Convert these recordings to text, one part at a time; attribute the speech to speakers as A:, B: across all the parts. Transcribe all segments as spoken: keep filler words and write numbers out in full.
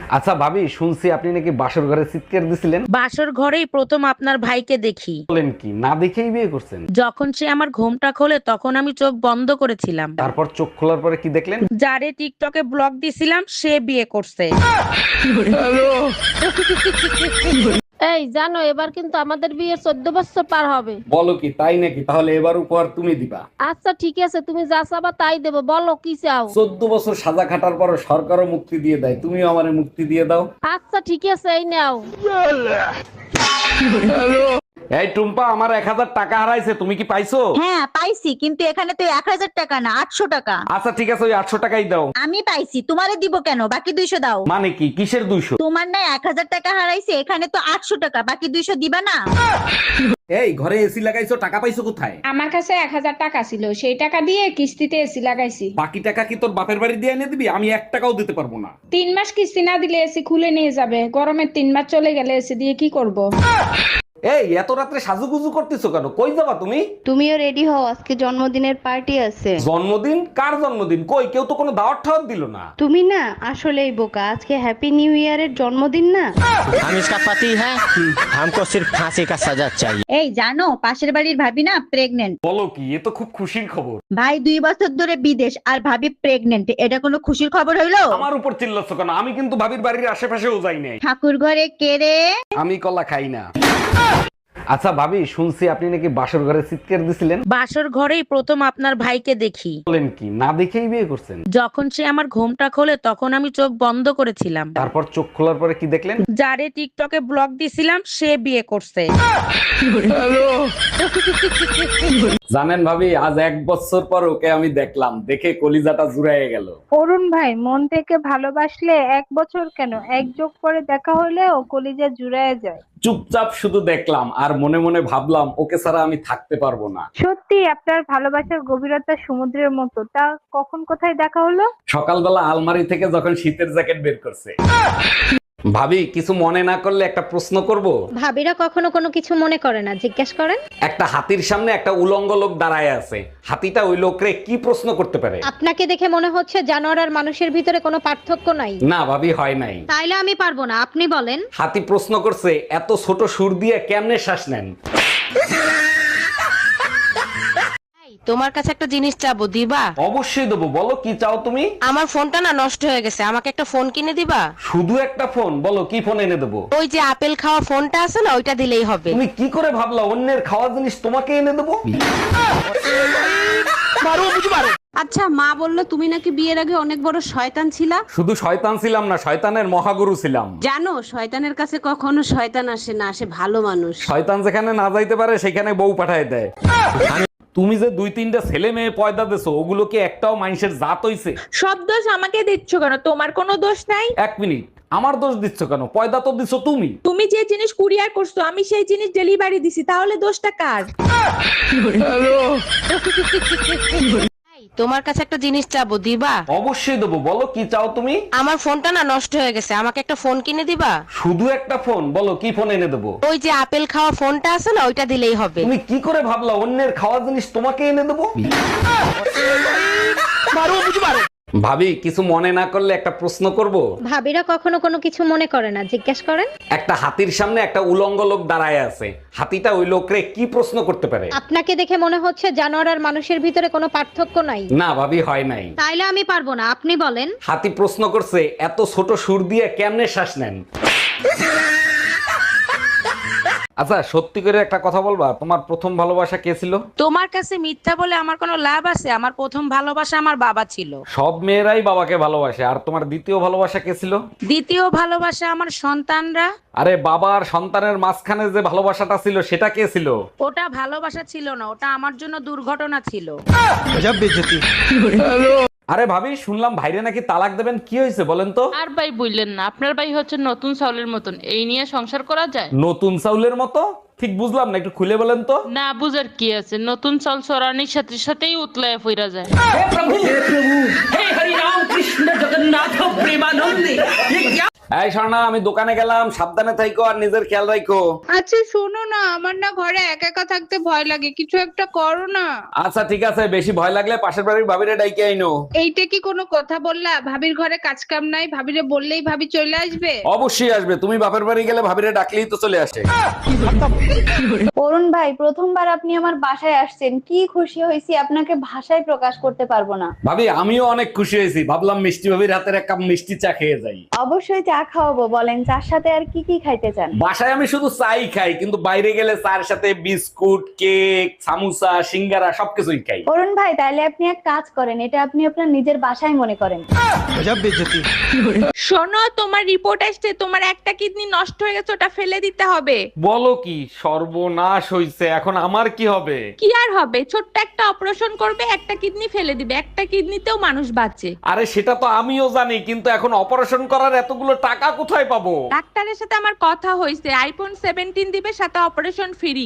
A: আচ্ছা ভাবি, শুনছি আপনি নাকি বাসর ঘরে চিৎকার দিছিলেন।
B: বাসর ঘরেই প্রথম আপনার ভাইকে দেখি।
A: বলেন কি, না দেখেই বিয়ে করছেন?
B: যখন সে আমার ঘুমটা খোলে তখন আমি চোখ বন্ধ করেছিলাম।
A: তারপর চোখ খোলার পরে কি দেখলেন?
B: যারে টিকটকে ব্লগ দিছিলাম সে বিয়ে করছে।
C: এই জানো, এবার কিন্তু আমাদের বিয়ের চোদ্দ বছর পার হবে।
A: বলো কি, তাই নাকি? তাহলে এবার উপহার তুমি দিবা।
C: আচ্ছা ঠিক আছে, তুমি যা চাবা তাই দেবো, বলো কি চাও।
A: চোদ্দ বছর সাজা খাটার পর সরকারও মুক্তি দিয়ে দেয়, তুমিও আমারে মুক্তি দিয়ে দাও।
C: আচ্ছা ঠিক আছে, এই নাও।
A: এই টুম্পা, আমার এক হাজার টাকা হারাইছে, তুমি কি পাইছো?
D: হ্যাঁ পাইছি, কিন্তু এখানে তো এক হাজার টাকা না, আটশো টাকা।
A: আচ্ছা ঠিক আছে, ওই আটশো টাকাই দাও।
D: আমি পাইছি, তোমারে দিব কেন? বাকি দুইশো দাও।
A: মানে কি, কিসের দুইশো?
D: তোমার না এক হাজার টাকা হারাইছে, এখানে তো আটশো টাকা, বাকি দুইশো দিবা না?
A: এই ঘরে এসি লাগাইছো, টাকা পাইছো কোথায়?
E: আমার কাছে এক হাজার টাকা ছিল, সেই টাকা দিয়ে কিস্তিতে এসি লাগাইছি।
A: বাকি টাকা কি তোর বাপের বাড়ি দিয়ে এনে দিবি? আমি এক টাকাও দিতে পারবো না।
E: তিন মাস কিস্তি না দিলে এসি খুলে নিয়ে যাবে, গরমের তিন মাস চলে গেলে এসি দিয়ে কি করব?
A: এই এত রাত্রে সাজুগুজু করতেছো কেন? কই যাবা তুমি?
F: তুমিও রেডি হও, আজকে জন্মদিনের পার্টি আছে।
A: জন্মদিন? কার জন্মদিন? কই, কেউ তো কোনো দাওয়াত ঠাওয়াত দিল না।
F: তুমি না আসলেই বোকা, আজকে হ্যাপি নিউ ইয়ারের জন্মদিন না।
G: हम इसका पति है, हमको सिर्फ फांसी का सजा चाहिए।
D: এই জানো, পাশের বাড়ির ভাবি না প্রেগনেন্ট।
A: বলো কি, এ তো খুব খুশির খবর।
D: ভাই দুই বছর ধরে বিদেশ আর ভাবি প্রেগনেন্ট, এটা কোনো খুশির খবর হইলো?
A: আমার উপর চিল্লাচ্ছ কেন? আমি কিন্তু ভাবির বাড়ির আশেপাশেও যাই নাই।
D: ঠাকুর ঘরে কে রে?
A: আমি কলা খাই না। আচ্ছা ভাবি, শুনছি আপনি নাকি বাসর ঘরে চিৎকার দিছিলেন।
B: বাসর ঘরেই প্রথম আপনার ভাইকে দেখি।
A: বলেন কি, না দেখেই বিয়ে করছেন?
B: যখন সে আমার ঘুমটা খোলে তখন আমি চোখ বন্ধ করেছিলাম।
A: তারপর চোখ খোলার পরে কি দেখলেন?
B: যারে টিকটকে ব্লগ দিছিলাম সে বিয়ে করছে।
A: জানেন ভাবি, আজ এক বছর পর ওকে আমি দেখলাম, দেখে কলিজাটা জুড়াইয়ে গেল।
H: অরুণ ভাই, মন থেকে ভালোবাসলে এক বছর কেন, এক যোগ করে দেখা হলেও কলিজা জুড়ায় যায়।
A: চুপচাপ শুধু দেখলাম আর মনে মনে ভাবলাম, ওকে ছাড়া আমি থাকতে পারবো না।
H: সত্যি আপনার ভালোবাসার গভীরতা সমুদ্রের মতো। তা কখন কোথায় দেখা হলো?
A: সকালবেলা আলমারি থেকে যখন শীতের জ্যাকেট বের করছে। ভাবি, কিছু মনে না করলে একটা প্রশ্ন করব?
C: ভাবিরা কখনো কোনো কিছু মনে করে না, জিজ্ঞেস করেন।
A: একটা হাতির সামনে একটা উলঙ্গ লোক দাঁড়ায় আছে, হাতিটা ওই লোকরে কি প্রশ্ন করতে পারে?
C: আপনাকে দেখে মনে হচ্ছে জানোয়ার আর মানুষের ভিতরে কোনো পার্থক্য নাই।
A: না ভাবি, হয় নাই।
C: তাইলে আমি পারবো না, আপনি বলেন।
A: হাতি প্রশ্ন করছে, এত ছোট সুর দিয়ে কেমনে শ্বাস নেন?
I: তোমার কাছে একটা জিনিস চাবো, দিবা?
A: অবশ্যই দেবো, বলো কি চাও তুমি?
I: আমার ফোনটা না নষ্ট হয়ে গেছে, আমাকে একটা ফোন কিনে দিবা?
A: শুধু একটা ফোন? বলো কি ফোন এনে দেবো?
I: ওই যে আপেল খাওয়া ফোনটা আছে না, ওইটা দিলেই হবে।
A: তুমি কি করে ভাবলা অন্যের খাওয়া জিনিস তোমাকে এনে দেবো?
J: আচ্ছা, মা বললো তুমি নাকি বিয়ের আগে অনেক বড় শয়তান ছিলা।
A: শুধু শয়তান ছিলাম না, শয়তানের মহাগুরু ছিলাম।
J: জানো, শয়তানের কাছে কখনো শয়তান আসে না, আসে ভালো মানুষ।
A: শয়তান যেখানে না যাইতে পারে সেখানে বউ পাঠায় দেয়। তুমি যে দুই তিনটা ছেলে মেয়ে পয়দা দেছো, ওগুলো কি একটাও মানুষের জাত হইছে?
B: সব দোষ আমাকে দিচ্ছ কেন? তোমার কোনো দোষ নাই।
A: এক মিনিট, আমার দোষ দিচ্ছ কেন? পয়দা তো দিছো তুমি।
B: তুমি যে জিনিস কুরিয়ার করছো আমি সেই জিনিস ডেলিভারি দিছি, তাহলে দোষটা কার?
I: তোমার কাছে একটা জিনিস চাবো, দিবা?
A: অবশ্যই দেবো, বলো কি চাও তুমি?
I: আমার ফোনটা না নষ্ট হয়ে গেছে, আমাকে একটা ফোন কিনে দিবা?
A: শুধু একটা ফোন? বলো কি ফোন এনে দেবো?
I: ওই যে আপেল খাওয়া ফোনটা আছে না, ওইটা দিলেই হবে।
A: তুমি কি করে ভাবলা অন্যের খাওয়া জিনিস তোমাকে এনে দেবো? ভাবি, কিছু মনে না করলে একটা প্রশ্ন করব?
C: ভাবিরা কখনো কোনো কিছু মনে করে না, জিজ্ঞেস করেন।
A: একটা হাতির সামনে একটা উলঙ্গ লোক দাঁড়ায় আছে, হাতিটা ওই লোকরে কি প্রশ্ন করতে পারে?
C: আপনাকে দেখে মনে হচ্ছে জানোয়ার আর মানুষের ভিতরে কোনো পার্থক্য নাই।
A: না ভাবি, হয় নাই।
C: তাইলে আমি পারবো না, আপনি বলেন।
A: হাতি প্রশ্ন করছে, এত ছোট সুর দিয়ে কেমনে শ্বাস নেন? আচ্ছা সত্যি করে একটা কথা বলবা, তোমার প্রথম ভালোবাসা কে ছিল?
B: তোমার কাছে মিথ্যা বলে আমার কোনো লাভ আছে? আমার প্রথম ভালোবাসা আমার বাবা ছিল।
A: সব মেয়েরাই বাবাকে ভালোবাসে। আর তোমার দ্বিতীয় ভালোবাসা কে ছিল?
B: দ্বিতীয় ভালোবাসা আমার সন্তানরা।
A: আরে বাবা আর সন্তানের মাঝখানে যে ভালোবাসাটা ছিল সেটা কে ছিল?
B: ওটা ভালোবাসা ছিল না, ওটা আমার জন্য দুর্ঘটনা ছিল।
A: আরে ভাবি, শুনলাম ভাইরে নাকি তালাক দেবেন, কি হয়েছে বলেন তো?
K: আর ভাই বললেন না, আপনার ভাই হচ্ছে নতুন চাউলের মতন, এই নিয়ে সংসার করা যায়?
A: নতুন চাউলের মতো? ঠিক বুঝলাম না, একটু খুলে বলেন তো।
K: না বুঝার কি আছে, নতুন চাউল চড়ানির সাথে সাথেই উতলায় ফিরা যায়।
A: এই স্বর্ণা, আমি দোকানে গেলাম, সাবধানে থাইকো আর নিজের খেয়াল রাখো।
H: আচ্ছা শোনো না, আমার না ঘরে একা একা থাকতে ভয় লাগে, কিছু একটা করো না।
A: আচ্ছা ঠিক আছে, বেশি ভয় লাগলে পাশের বাড়ির ভাবিরে ডাইকে আইনো।
H: এইটা কি কোনো কথা বললা? ভাবির ঘরে কাজ কাম নাই, ভাবিরে বললেই ভাবি চলে আসবে?
A: অবশ্যই আসবে, তুমি বাপের বাড়ি গেলে ভাবিরে ডাকলেই তো চলে আসে।
C: অরুণ ভাই, প্রথমবার আপনি আমার বাসায় আসছেন, কি খুশি হয়েছি আপনাকে ভাষায় প্রকাশ করতে পারবো না।
A: ভাবি আমিও অনেক খুশি হয়েছি, ভাবলাম মিষ্টি ভাবির হাতের এক কাপ মিষ্টি চা খেয়ে যাই।
C: অবশ্যই চা খাওয়াবো, বলেন চার সাথে আর কি কি খাইতে চান?
A: বাসায় আমি শুধু চাই খাই, কিন্তু বাইরে গেলে চার সাথে বিস্কুট, কেক, সামোসা, সিঙ্গারা সবকিছুই খাই।
C: অরুণ ভাই, তাইলে আপনি এক কাজ করেন, এটা আপনি আপনার নিজের বাসায় মনে করেন।
B: শোনো, তোমার রিপোর্ট আসছে, তোমার একটা কিডনি নষ্ট হয়ে গেছে, ওটা ফেলে দিতে হবে।
A: বলো কি, সর্বনাশ হইছে, এখন আমার কি হবে?
B: কি আর হবে, ছোট্ট একটা অপারেশন করবে, একটা কিডনি ফেলে দিবে, একটা কিডনিতেও মানুষ বাঁচে।
A: আরে সেটা তো আমিও জানি, কিন্তু এখন অপারেশন করার এতগুলো টাকা কোথায় পাবো?
B: ডাক্তারের সাথে আমার কথা হয়েছে, আইফোন সেভেন্টিন দিবে, সাথে অপারেশন ফ্রি।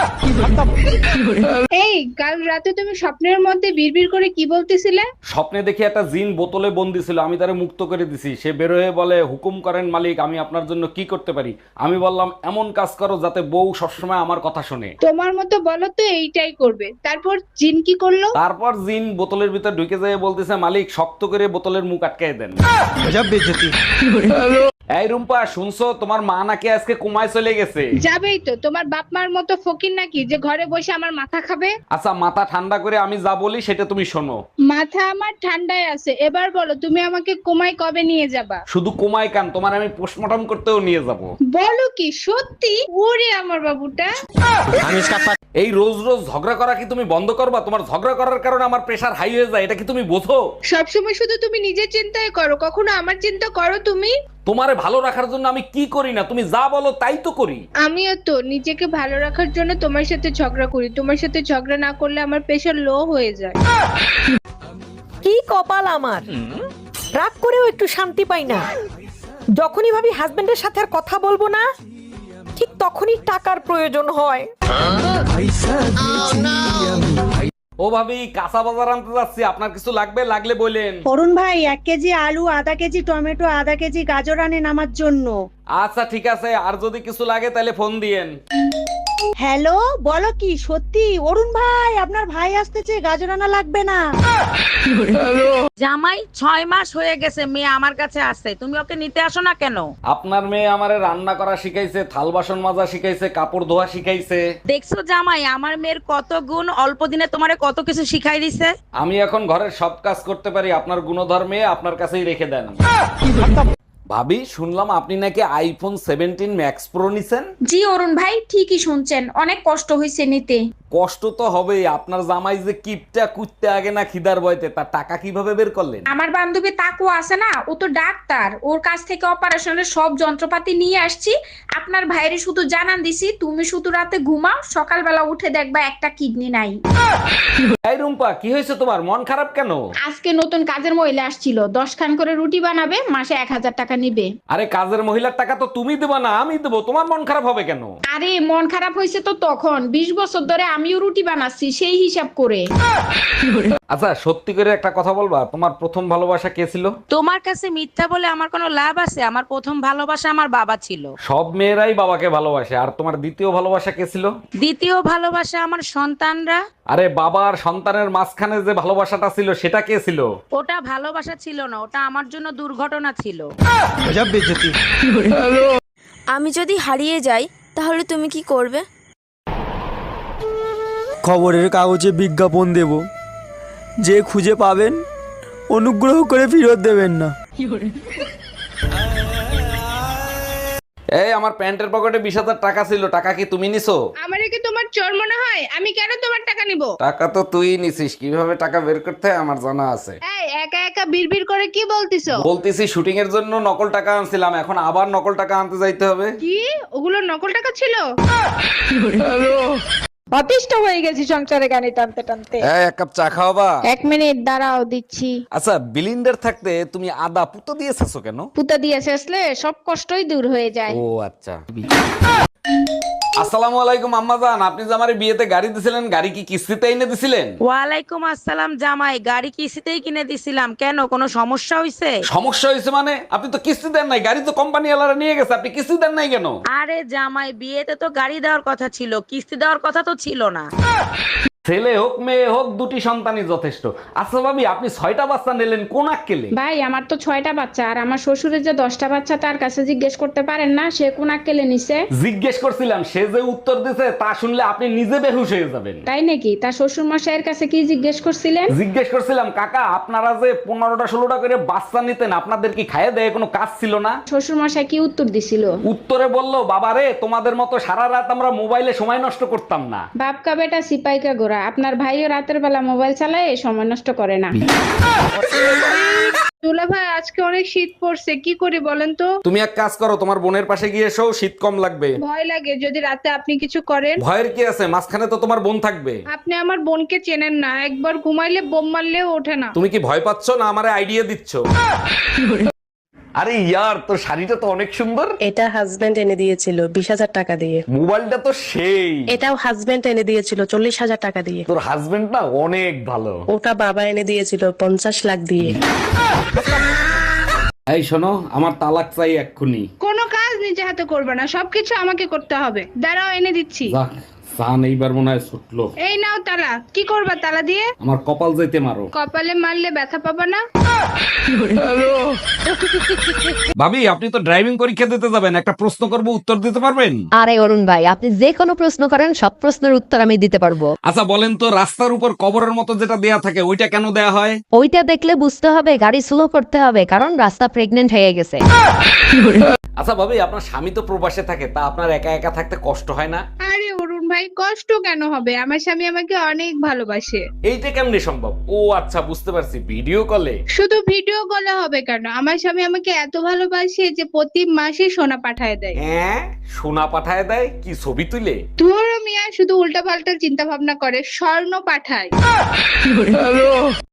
H: এই কাল রাতে তুমি স্বপ্নের মধ্যে বিড়বিড় করে কি বলতেছিলে?
A: স্বপ্নে দেখি একটা জিন বোতলে বন্দি ছিল, আমি তারে মুক্ত করে দিছি। সে বের হয়ে বলে, হুকুম করেন মালিক, আমি আপনার জন্য কি করতে পারি? আমি বললাম, এমন কাজ করো যাতে বউ সবসময় আমার কথা শুনে।
H: তোমার মতো বলো তো এইটাই করবে। তারপর জিন কি করলো?
A: তারপর জিন বোতলের ভিতর ঢুকে যায়, বলতেছে, মালিক শক্ত করে বোতলের মুখ আটকায় দেন। এই রুম্পা, শুনছো তোমার মা নাকি আজকে কুমায় চলে গেছে?
H: যাবেই তো, তোমার বাপ মার মতো ফকির নাকি যে ঘরে বসে আমার মাথা খাবে?
A: আচ্ছা মাথা ঠান্ডা করে আমি যা বলি সেটা তুমি শোনো।
H: মাথা আমার ঠান্ডায় আছে, এবার বলো তুমি আমাকে কোমায় কবে নিয়ে যাবা?
A: শুধু কুমায় কান, তোমার আমি পোস্টমর্টম করতেও নিয়ে যাব।
H: বলো কি সত্যি? ওরে আমার বাবুটা।
G: हम इसका पति
A: এই রোজ রোজ ঝগড়া করা কি তুমি বন্ধ করবা? তোমার ঝগড়া করার কারণে আমার প্রেশার হাই হয়ে যায়, এটা কি তুমি বোঝো?
H: সবসময় শুধু তুমি নিজের চিন্তাই করো, কখনো আমার চিন্তা করো তুমি?
A: তোমারে ভালো রাখার জন্য আমি কি করি না, তুমি যা বলো তাই তো করি।
H: আমিও তো নিজেকে ভালো রাখার জন্য তোমার সাথে ঝগড়া করি, তোমার সাথে ঝগড়া না করলে আমার প্রেশার লো হয়ে যায়।
L: কি কপাল আমার, রাগ করেও একটু শান্তি পাই না। যখনই ভাবি হাজবেন্ডের সাথে আর কথা বলবো না, ঠিক তখনই টাকার প্রয়োজন হয়।
A: ও ভাবি, কাঁচা বাজার আনতে যাচ্ছি, আপনার কিছু লাগবে? লাগলে বলেন।
D: অরুণ ভাই, এক কেজি আলু, আধা কেজি টমেটো, আধা কেজি গাজর আনেন আমার জন্য।
A: আচ্ছা ঠিক আছে, আর যদি কিছু লাগে তাহলে ফোন দিয়েন।
D: হ্যালো, বলো কি সত্যি? অরুণ ভাই, আপনার ভাই আসতেছে, গাজর আনা লাগবে না।
B: জামাই ছয় মাস হয়ে গেছে, মেয়ে আমার কাছে আসছে, তুমি ওকে নিতে আসো না কেন?
A: আপনার মেয়ে আমারে রান্না করা শিখাইছে, থাল বাসন মাজা শিখাইছে, কাপড় ধোয়া শিখাইছে।
B: দেখছো জামাই, আমার মেয়ের কত গুণ, অল্প দিনে তোমারে কত কিছু শিখাই দিছে।
A: আমি এখন ঘরের সব কাজ করতে পারি, আপনার গুণধর মেয়ে আপনার কাছেই রেখে দেন। ভাবি, শুনলাম আপনি নাকি আইফোন সেভেন্টিন ম্যাক্স প্রো নিছেন?
E: জি অরুণ ভাই, ঠিকই শুনছেন, অনেক কষ্ট হয়েছে নিতে।
A: কষ্ট তো হবেই, আপনার জামাই যে কিপটা কুত্তে আগে না খিদার বয়তে, তার টাকা কিভাবে বের করলেন?
E: আমার বান্ধবী তাকু আছে না, ও তো ডাক্তার, ওর কাছ থেকে অপারেশনের সব যন্ত্রপাতি নিয়ে আসছি। আপনার ভাইরে শুধু জানান দিছি, তুমি শুধু রাতে ঘুমাও, সকালবেলা উঠে দেখবা একটা কিডনি নাই।
A: এই রুম্পা, কি হয়েছে তোমার? মন খারাপ কেন?
E: আজকে নতুন কাজের মহিলা আসছিল, দশ খান করে রুটি বানাবে, মাসে এক হাজার টাকা নিবে।
A: আরে কাজের মহিলার টাকা তো তুমি দেবা না, আমি দেবো, তোমার মন খারাপ হবে কেন?
E: আরে মন খারাপ হয়েছে তো তখন, বিশ বছর ধরে আমিও রুটি বানাচ্ছি, সেই হিসাব করে।
A: আচ্ছা সত্যি করে একটা কথা বলবা, তোমার প্রথম ভালোবাসা কে ছিল?
B: তোমার কাছে মিথ্যা বলে আমার কোনো লাভ আছে? আমার প্রথম ভালোবাসা আমার বাবা ছিল।
A: সব মেয়েরাই বাবাকে ভালোবাসে, আর তোমার দ্বিতীয় ভালোবাসা কে ছিল?
B: দ্বিতীয় ভালোবাসা আমার সন্তানরা।
A: আরে বাবা আর সন্তানের মাঝখানে যে ভালোবাসাটা ছিল সেটা কে ছিল?
B: ওটা ভালোবাসা ছিল না, ওটা আমার জন্য দুর্ঘটনা ছিল।
C: আমি যদি হারিয়ে যাই তাহলে তুমি কি করবে?
G: খবরের কাগজে বিজ্ঞাপন দেব, যে খুঁজে পাবেন অনুগ্রহ করে ফেরত দেবেন না।
A: এই আমার প্যান্টের পকেটে বিশ হাজার টাকা ছিল, টাকা কি তুমি নিছো?
H: আমারে কি তোমার চোর মনে হয়? আমি কেন তোমার টাকা নিব?
A: টাকা তো তুই নিছিস, কিভাবে টাকা বের করতে হয় আমার জানা আছে।
H: এই একা একা বিড়বিড় করে কি বলতিছো?
A: বলতেছি শুটিং এর জন্য নকল টাকা আনছিলাম, এখন আবার নকল টাকা আনতে যাইতে হবে।
H: কি ওগুলো নকল টাকা ছিল? অতিষ্ঠ হয়ে গেছি সংসারে গানি টানতে টানতে।
A: এই এক কাপ চা খাওয়াবা?
C: এক মিনিট দাঁড়াও, দিচ্ছি।
A: আচ্ছা বিলিন্ডার থাকতে তুমি আদা পুতো দিয়েছো কেন?
C: পুতা দিয়ে শেষলে সব কষ্টই দূর হয়ে যায়।
A: ও আচ্ছা। আসসালামু আলাইকুম আম্মাজান, আপনি যে আমারে বিয়েতে গাড়ি দিছিলেন, গাড়ি কি কিস্তিতে এনে দিছিলেন?
D: ওয়ালাইকুম আসসালাম জামাই, গাড়ি কিস্তিতেই কিনে দিছিলাম, কেন কোনো সমস্যা হয়েছে?
A: সমস্যা হয়েছে মানে? আপনি তো কিস্তি দেন নাই, গাড়ি তো কোম্পানি ওয়ালারা নিয়ে গেছে, আপনি কিস্তি দেন নাই কেন?
D: আরে জামাই, বিয়েতে তো গাড়ি দেওয়ার কথা ছিল, কিস্তি দেওয়ার কথা তো ছিল না।
A: ছেলে হোক মেয়ে হোক দুটি সন্তানই যথেষ্ট। আচ্ছা ভাবি, আপনি ছয়টা বাচ্চা নিলেন কোন আক্কেলে?
E: ভাই আমার তো ছয়টা বাচ্চা, আর আমার শ্বশুরের যে দশটা বাচ্চা তার কাছে জিজ্ঞেস করতে পারেন না সে কোন আক্কেলে নিছে?
A: জিজ্ঞেস করছিলাম, সে যে উত্তর দিছে তা শুনলে আপনি নিজে বেহুশ হয়ে যাবেন।
E: তাই নাকি? তার শ্বশুর মশাইয়ের কাছে কি জিজ্ঞেস করছিলেন?
A: জিজ্ঞেস করছিলাম, কাকা আপনারা যে পনেরোটা ষোলোটা করে বাচ্চা নিতেন, আপনাদের কি খাইয়ে দেয় কোনো কাজ ছিল না?
E: শ্বশুর মশাই কি উত্তর দিছিল?
A: উত্তরে বললো, বাবারে তোমাদের মতো সারা রাত আমরা মোবাইলে সময় নষ্ট করতাম না।
E: বাপকা বেটা সিপাইকা গোরা, আপনার ভাইও রাতের বেলা মোবাইল চালায় সময় নষ্ট করে না।
H: দুলা ভাই আজকে অনেক শীত পড়ছে, কি করি বলেন তো?
A: তুমি এক কাজ করো, তোমার বোনের পাশে গিয়ে এসো, শীত কম লাগবে।
H: ভয় লাগে যদি রাতে আপনি কিছু করেন।
A: ভয়ের কি আছে, মাঝখানে তো তোমার বোন থাকবে।
H: আপনি আমার বোনকে চেনেন না, একবার ঘুমাইলে বোম মারলেও ওঠে না।
A: তুমি কি ভয় পাচ্ছ না আমারে আইডিয়া দিচ্ছ? আরে ইয়ার, তোর শাড়িটা তো অনেক সুন্দর।
I: এটা হাজবেন্ড এনে দিয়েছিল বিশ হাজার টাকা দিয়ে।
A: মোবাইলটা তো সেই।
I: এটাও হাজবেন্ড এনে দিয়েছিল চল্লিশ হাজার টাকা দিয়ে।
A: তোর হাজবেন্ড না অনেক ভালো।
I: ওটা বাবা এনে দিয়েছিল পঞ্চাশ লাখ দিয়ে।
A: এই শোনো, আমার তালাক চাই এক্ষুনি।
H: কোনো কাজ নিজে হাতে করবে না, সবকিছু আমাকে করতে হবে। দাঁড়াও এনে দিচ্ছি।
A: যাক, সান এইবার মনে হয় ছুটলো।
H: এই নাও তালা। কি করবা তালা দিয়ে?
A: আমার কপাল যাইতে মারো।
H: কপালে মারলে ব্যথা পাবা না।
A: ভাবি, আপনি তো ড্রাইভিং পরীক্ষা দিতে যাবেন, একটা প্রশ্ন করব, উত্তর দিতে পারবেন?
L: আরে অরুণ ভাই, আপনি যে কোনো প্রশ্ন করেন, সব প্রশ্নের উত্তর আমি দিতে পারবো।
A: আচ্ছা বলেন তো, রাস্তার উপর কবরের মতো যেটা দেয়া থাকে ওইটা কেন দেয়া হয়?
L: ওইটা দেখলে বুঝতে হবে গাড়ি স্লো করতে হবে, কারণ রাস্তা প্রেগনেন্ট হয়ে গেছে।
A: আচ্ছা ভাবি, আপনার স্বামী তো প্রবাসে থাকে, তা আপনার একা একা থাকতে কষ্ট হয় না?
H: আরে অরুণ ভাই, কষ্ট কেন হবে? আমার স্বামী আমাকে অনেক ভালোবাসে।
A: এইটা কেমনে সম্ভব? ও আচ্ছা, বুঝতে পারছি, ভিডিও কলে।
H: শুধু ভিডিও কলে হবে কেন? আমার স্বামী আমাকে এত ভালোবাসে যে প্রতি মাসে সোনা পাঠায় দেয়।
A: হ্যাঁ, সোনা পাঠায় দেয়? কি ছবি তুলে?
H: ধুরো মিয়া, শুধু উল্টা পাল্টা চিন্তা ভাবনা করে, স্বর্ণ পাঠায়।